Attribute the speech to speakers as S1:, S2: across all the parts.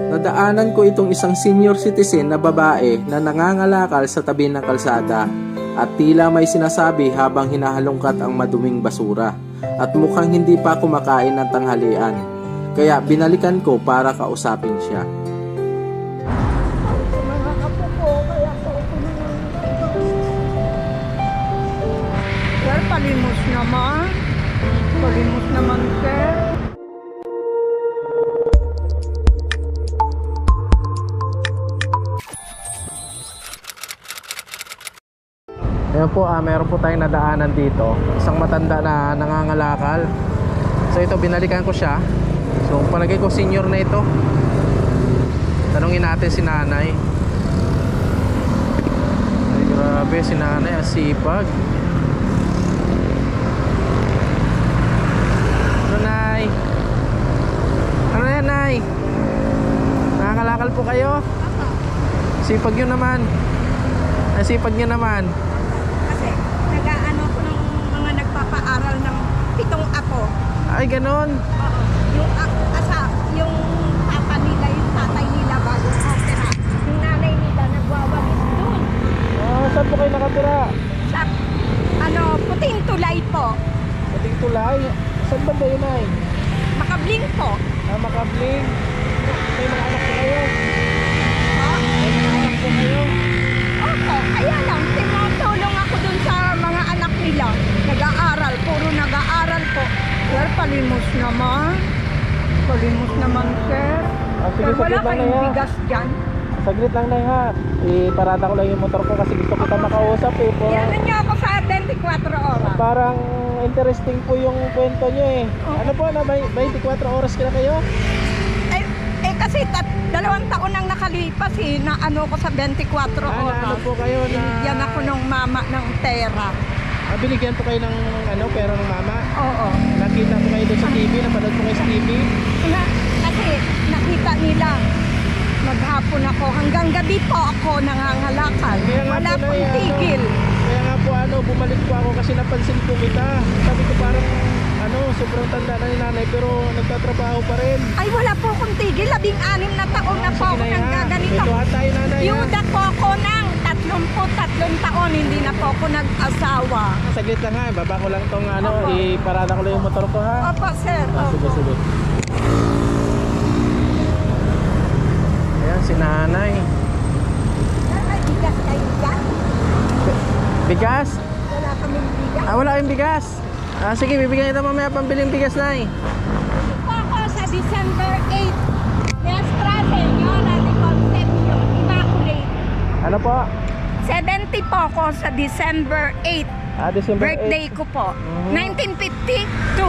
S1: Nadaanan ko itong isang senior citizen na babae na nangangalakal sa tabi ng kalsada at tila may sinasabi habang hinahalongkat ang maduming basura at mukhang hindi pa kumakain ng tanghalian. Kaya binalikan ko para kausapin siya.
S2: Sir, palimos naman. Palimos naman, sir.
S1: Ayan po, meron po tayong nadaanan dito. Isang matanda na nangangalakal. So ito, binalikan ko siya. So palagay ko senior na ito. Tanungin natin si nanay. Ay, grabe, si nanay asipag. Ano, nay? Ano yan, nay? Nangangalakal po kayo? Sipag nyo naman. Sipag nyo naman.
S2: Nag-aano ko ng mga nagpapaaral ng 7 apo.
S1: Ay, ganon.
S2: Oo. Yung papa nila, yung tatay nila bago opera. Yung nanay nila nagwawalis doon.
S1: Saan po kayo nakatira?
S2: Sa, puting tulay po.
S1: Puting tulay? Saan ba yun, ay?
S2: Makabling po.
S1: Makabling. May mga anak po kayo?
S2: Oh,
S1: May mga anak po kayo?
S2: opo, kaya lang, tinutulong ako dun sa mga anak nila. Nag-aaral, puro nag-aaral po. Sir, palimos naman. Palimos naman, sir.
S1: Sige,
S2: Sir, wala
S1: saglit lang na
S2: kayong
S1: yan.
S2: bigas dyan.
S1: Saglit lang na ha. Iparada ko lang yung motor ko kasi gusto kita makausap eh.
S2: Yan niyo ako sa 24 oras.
S1: Parang interesting po yung kwento nyo eh.
S2: Oo.
S1: Ano po, 24 oras kina kayo?
S2: Kasi 2 taon nang nakalipas na ko sa 24
S1: Ano
S2: oras.
S1: po kayo na...
S2: Binigyan ako ng mama ng pera.
S1: Binigyan po kayo ng pera ng mama?
S2: Oo.
S1: Nakita po kayo doon sa TV? Napanood po kayo sa TV?
S2: Kasi nakita nila, maghapon ako, hanggang gabi po ako nangangalakal.
S1: Kaya nga
S2: Wala
S1: po,
S2: pong
S1: Nay,
S2: tigil.
S1: Kaya nga po bumalik po ako kasi napansin po kita. Sabi ko parang sobrang tanda na ni nanay pero nagtatrabaho pa rin.
S2: Ay, wala po akong tigil. 16 na taon na po ako nang gaganito.
S1: Ito tayo, nanay.
S2: Yuda po ako ng 33 taon, hindi na po ako nag-asawa.
S1: Saglit lang ha, baba ko lang tong iparada ko lang yung motor ko ha.
S2: Opo, sir.
S1: Sige, sige. Ayan si nanay.
S2: Ay, bigas kayo dyan?
S1: Bigas?
S2: Wala kaming bigas.
S1: Wala kayong bigas. Sige, bibigyan kita mamaya pambiling bigas, nay.
S2: Po ako sa December 8. Nestra Senora de Concepcion, Immaculate.
S1: Ano po?
S2: 70 po ako sa December 8.
S1: December
S2: Birthday ko po. 1952.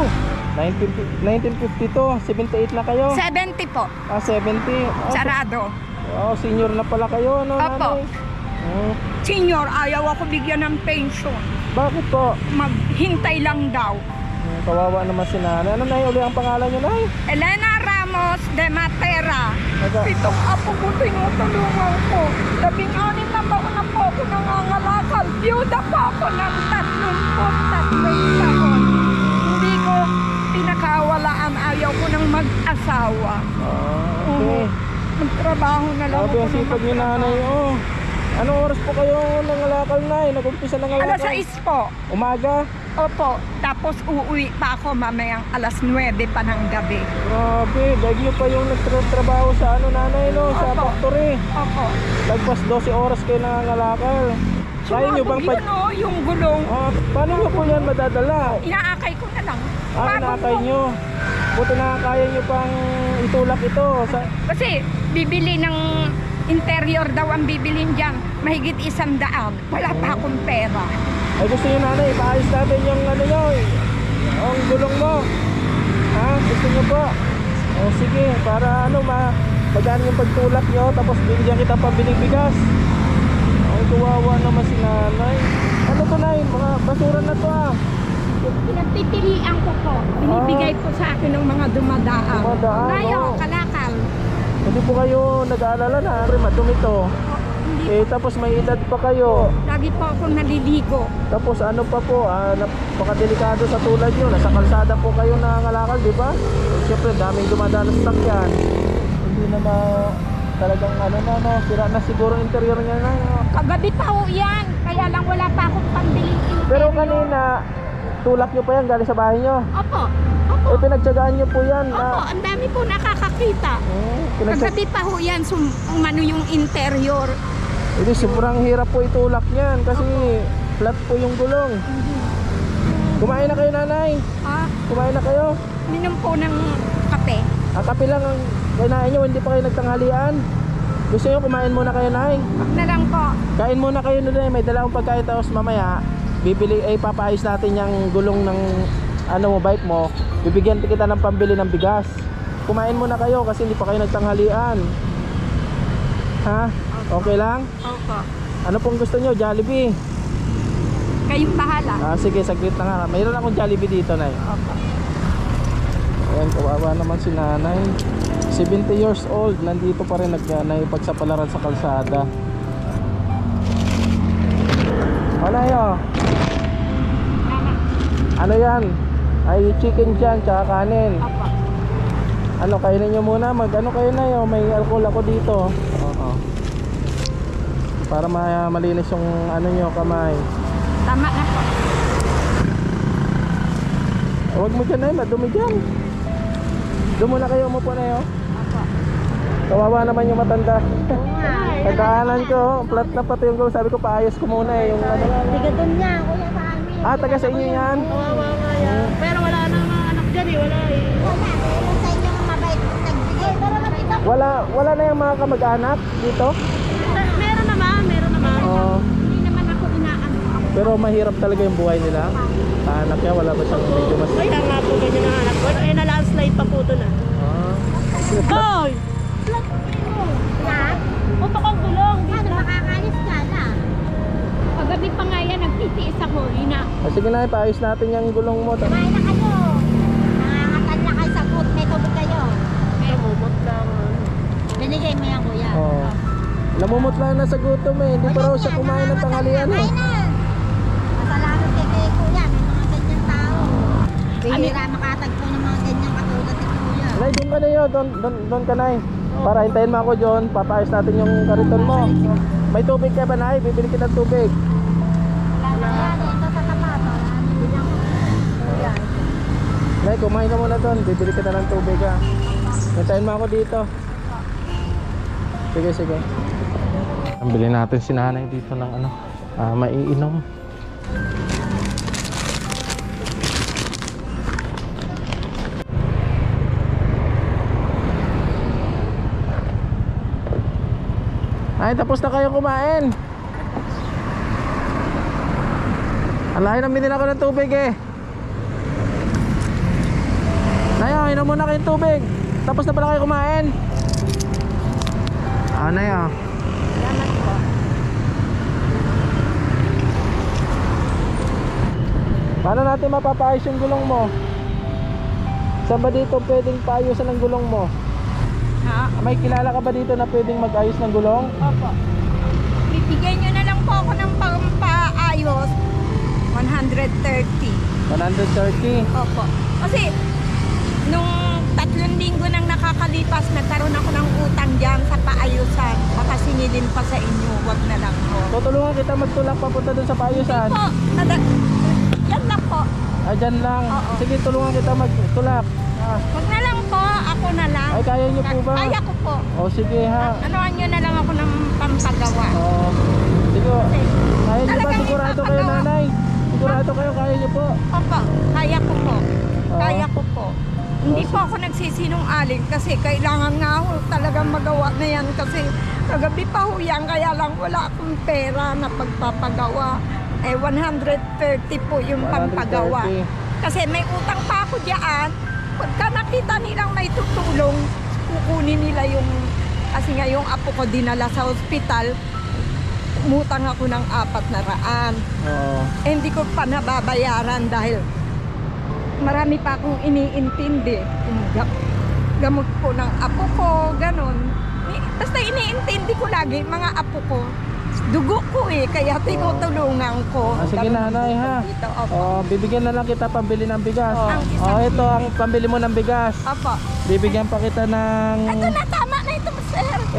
S1: 1952, 78 na kayo?
S2: 70 po.
S1: 70.
S2: Sarado.
S1: Senior na pala kayo,
S2: Opo.
S1: nanay?
S2: Senior, ayaw ako bigyan ng pension.
S1: Bakit po?
S2: Maghintay lang daw.
S1: Kawawa naman si nanay. Ano na uli ang pangalan niyo, nay?
S2: Elena Ramos de Matera.
S1: Naga-
S2: 7 apo ko tinutulungan ko. 16 na taon na po ako nangangalakal. Byuda pa ako ng 33 taon. Hindi ko pinakawalaan. Ayaw ko ng mag-asawa.
S1: Okay.
S2: Magtrabaho na lang
S1: Sabi
S2: ako.
S1: ang sipag ni nanay, Anong oras po kayo nangalakal, nay? Nag-umpisa nangalakal?
S2: Alas 6 po.
S1: Umaga?
S2: Opo. Tapos uuwi pa ako mamayang alas 9 pa ng gabi.
S1: Grabe, dahil nyo pa yung nagtrabaho sa nanay, no? Sa
S2: Opo.
S1: factory.
S2: Opo.
S1: Lagpas 12 oras kayo nangangalakal. Kaya nyo bang
S2: Sumabog yun, yung gulong.
S1: paano nyo po yan madadala?
S2: Inaakay ko na lang.
S1: Inakay nyo. Buti na kaya nyo pang itulak ito.
S2: Kasi bibili ng interior daw ang bibilin dyan. Mahigit 100. Wala pa akong pera.
S1: Ay gusto nyo, nanay, ipaayos natin yung nyo, ang gulong mo. Gusto nyo po? Sige, para magaan yung pagtulak nyo, tapos bigyan kita pambiling bigas. Ay, kawawa naman si nanay. Ano to, nay? Mga basura na to
S2: Pinagpipilian ko po. Binibigay ko sa akin ng mga dumadaan.
S1: Dumadaan,
S2: Ngayon,
S1: oo.
S2: kalakal.
S1: Hindi po kayo nag-aalala na, madumi to.
S2: Hindi
S1: Tapos may edad pa kayo.
S2: Lagi po ako naliligo.
S1: Tapos ano pa po, napakadelikado sa tulad nyo. Nasa kalsada po kayo nangangalakal, di ba? Siyempre, daming dumadaan sa sakyan. hindi na talagang ano na, no, sira na siguro ang interior niya na, no?
S2: Kagabi pa ho yan. Kaya lang wala pa akong pambiling interior.
S1: Pero kanina, tulak nyo pa yan galing sa bahay nyo.
S2: Opo. Opo.
S1: Eh, pinagtsagaan nyo po yan.
S2: Opo, ang dami po nakakakita. Kagabi pa ho yan, umano yung interior.
S1: Hindi, sobrang hirap po itulak niyan kasi flat po yung gulong. Kumain na kayo, nanay.
S2: Ah,
S1: Kumain na kayo.
S2: minom po ng kape.
S1: Ang kape lang ang kinain nyo, hindi pa kayo nagtanghalian. Gusto nyo kumain muna kayo, nay?
S2: Wag na lang po.
S1: Kain muna kayo na, may dala akong pagkain, tapos mamaya papaayos natin yung gulong ng bike mo. Bibigyan kita ng pambili ng bigas. Kumain muna kayo kasi hindi pa kayo nagtanghalian. Ha? Okay lang?
S2: Opo.
S1: Ano pong gusto nyo? Jollibee?
S2: Kayong bahala.
S1: Sige, saglit na nga. Mayroon akong Jollibee dito, nay.
S2: Opo.
S1: Ayan, kawawa naman si nanay. 70 years old, nandito pa rin nagsapalaran sa kalsada. Manayo, ano yan? Ay chicken dyan, tsaka kanin.
S2: Opo.
S1: Ano, kainin nyo muna, mag-ano kayo na yun, may alcohol ako dito. Oo. Para malinis yung ano nyo, kamay.
S2: Tama na po.
S1: Huwag mo dyan na yun, madumi dyan. Doon muna kayo, umupo na yun.
S2: Opo.
S1: Kawawa naman yung matanda.
S2: Oo nga.
S1: Nagkaanan ko, flat na pati yung gulong. Sabi ko, paayos ko muna yung ano.
S2: Tiga doon niya, kuya sa amin.
S1: Taga sa inyo yan?
S2: Kawawa nga yan. Pero wala na mga anak dyan eh, wala eh. Wala, meron sa inyo mabait nagbigay. Pero makita ko.
S1: Wala na yung mga kamag-anak dito?
S2: Meron naman.
S1: Oo.
S2: Hindi naman ako inaano.
S1: Pero mahirap talaga yung buhay nila. Anak niya, wala ba siyang medyo mas...
S2: Kaya nga po ganyan ang anak ko. Eh, na-landslide pa po doon ah. Hoy! Lahat? Punta kang gulong. Ano, makakalis ka na? Paggabi pa nga yan, nagtitiis ako.
S1: Sige na, paayos natin yung gulong mo.
S2: Kumain na kayo. Nangangatan na kayo sa food. May tubig kayo. May bubot lang. Binigay mo yan, kuya.
S1: Oo. Namumot lang na sa gutom eh. Hindi pa raw siya kumain ng tanghalian eh.
S2: Masalamat kay kuya. May mga ganyan tao. Bihira makatagpo ng mga ganyan katulad ni kuya.
S1: Nay, doon ka na yun. Doon ka na eh. Para hintayin mo ako dyan. Papaayos natin yung kariton mo. May tubig ka ba, Nay? Bibili kita ng tubig.
S2: Wala na yan. Ito sa tapato. Bilang kuya.
S1: Nay, kumain ka muna doon. Bibili kita ng tubig ha. Hintayin mo ako dito. Sige. Bili natin si nanay dito ng maiinom. Ay, tapos na kayo kumain. Alahin na binili ako ng tubig eh. Nayo, inom muna kayong tubig. Tapos na pala kayo kumain. Nayo.
S2: Salamat po.
S1: Paano natin mapapaayos yung gulong mo? Saan ba dito pwedeng paayusan ng gulong mo?
S2: Ha?
S1: May kilala ka ba dito na pwedeng mag-ayos ng gulong?
S2: Opo. Bibigyan nyo na lang po ako ng pampaayos. 130.
S1: 130.
S2: Opo. Kasi, nung 3 linggo nang nakakalipas, nagkaroon ako ng utang dyan sa paayusan. Baka sinilin pa sa inyo, wag na lang po.
S1: Tutulungan kita magtulak papunta dun sa paayusan.
S2: Po, yan lang po.
S1: Dyan lang.
S2: Oo.
S1: Sige, tulungan kita magtulak.
S2: Wag na lang po, ako na lang.
S1: Ay, kaya nyo po ba?
S2: Kaya ko po.
S1: O sige ha.
S2: Anoan nyo na lang ako ng pampagawa.
S1: Oo. Sige. Kaya nyo ba?
S2: Talagang
S1: Sigurado kayo,
S2: ipapagawa.
S1: nanay? Sigurado kayo, kaya nyo po?
S2: Opo, kaya ko po.
S1: Oo.
S2: Kaya ko po. Hindi po ako nagsisinungaling kasi kailangan nga ho talagang magawa na yan kasi kagabi pa ho yan kaya lang wala akong pera na pagpapagawa. 130 po yung
S1: 130.
S2: pampagawa. Kasi may utang pa ako diyan. Pagka nakita nilang may tutulong, kukunin nila yung, kasi nga yung apo ko dinala sa ospital, umutang ako ng 400.
S1: Oo.
S2: Hindi ko pa nababayaran dahil marami pa akong iniintindi. Yung gamot po ng apo ko, ganon. Basta iniintindi ko lagi, mga apo ko. Dugo ko eh, kaya tinutulungan ko.
S1: Sige, nanay ha.
S2: Dito, opo.
S1: Bibigyan na lang kita pambili ng bigas.
S2: Ang isang
S1: Ito ang pambili mo ng bigas.
S2: Opo.
S1: Bibigyan pa kita ng...
S2: Ito na, tama na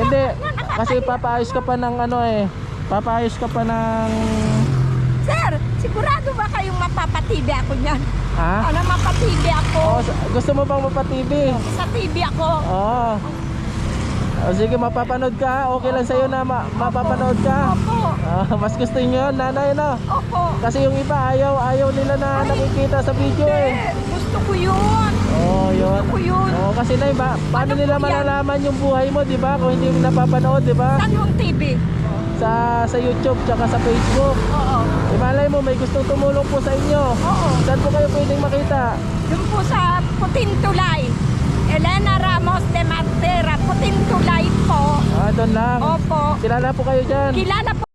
S1: Hindi, kasi papaayos ka pa ng ano eh. Papaayos ka pa ng...
S2: Sir, sigurado ba kayong mapapatibi ako niyan?
S1: Ha?
S2: Ano, mapatibi ako?
S1: Oh, gusto mo bang mapa-TV?
S2: Sa TV ako.
S1: Oo. Oh, sige, mapapanood ka. Okay lang sa'yo na mapapanood ka.
S2: Opo.
S1: Mas gusto niyo yun, nanay, no?
S2: Opo.
S1: Kasi yung iba, ayaw nila na nakikita sa video eh.
S2: Gusto ko yun.
S1: Oh, yun.
S2: Gusto ko yun.
S1: Oh, kasi nay, paano
S2: Ano
S1: nila
S2: po yan?
S1: malalaman yung buhay mo, di ba? Kung hindi mo napapanood, di ba?
S2: Saan yung TV?
S1: Sa YouTube, tsaka sa Facebook.
S2: Oo.
S1: Imalay mo, may gustong tumulong po sa inyo.
S2: Oo.
S1: Saan po kayo pwedeng makita?
S2: Doon po sa Putintulay. Elena Ramos de Martera. Putintulay po.
S1: Doon lang.
S2: Opo.
S1: Kilala po kayo dyan.
S2: Kilala po.